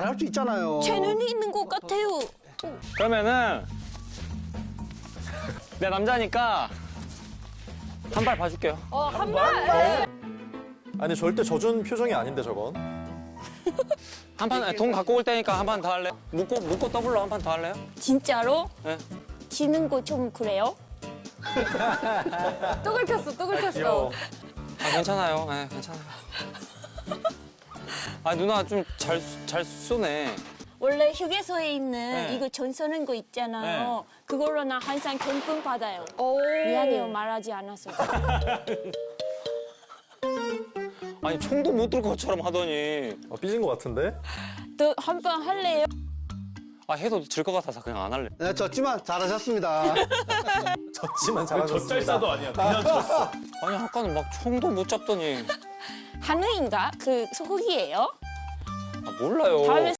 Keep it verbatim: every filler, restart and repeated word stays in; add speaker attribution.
Speaker 1: 잘할 수 있잖아요.
Speaker 2: 재능이 있는 것 같아요.
Speaker 3: 그러면은 내 남자니까 한 발 봐줄게요.
Speaker 4: 어, 한 발.
Speaker 5: 아니 절대 져준 표정이 아닌데 저건.
Speaker 3: 한 판 돈 갖고 올 테니까 한 판 더 할래? 묶고 묶고 더블로 한 판 더 할래요?
Speaker 2: 진짜로?
Speaker 3: 네.
Speaker 2: 지는 거 좀 그래요?
Speaker 4: 뚝을 폈어, 뚝을 폈어.
Speaker 3: 아 괜찮아요. 네, 괜찮아요. 아 누나 좀 잘 잘 쏘네.
Speaker 2: 원래 휴게소에 있는
Speaker 3: 네.
Speaker 2: 이거 전 쏘는 거 있잖아요. 그걸로 나 항상 경품 받아요.
Speaker 4: 오.
Speaker 2: 미안해요, 말하지 않아서.
Speaker 3: 아니 총도 못 들 것처럼 하더니
Speaker 5: 어, 삐진 것 같은데?
Speaker 2: 또 한 번 할래요?
Speaker 3: 아 해도 질 것 같아서 그냥 안 할래.
Speaker 1: 네, 졌지만 잘하셨습니다.
Speaker 5: 졌지만 잘하셨습니다.
Speaker 6: 젖잘싸도 아니야. 그냥 졌어.
Speaker 3: 아니 아까는 막 총도 못 잡더니
Speaker 2: 한우인가? 그 소고기예요?
Speaker 3: 아, 몰라요.
Speaker 2: 다음에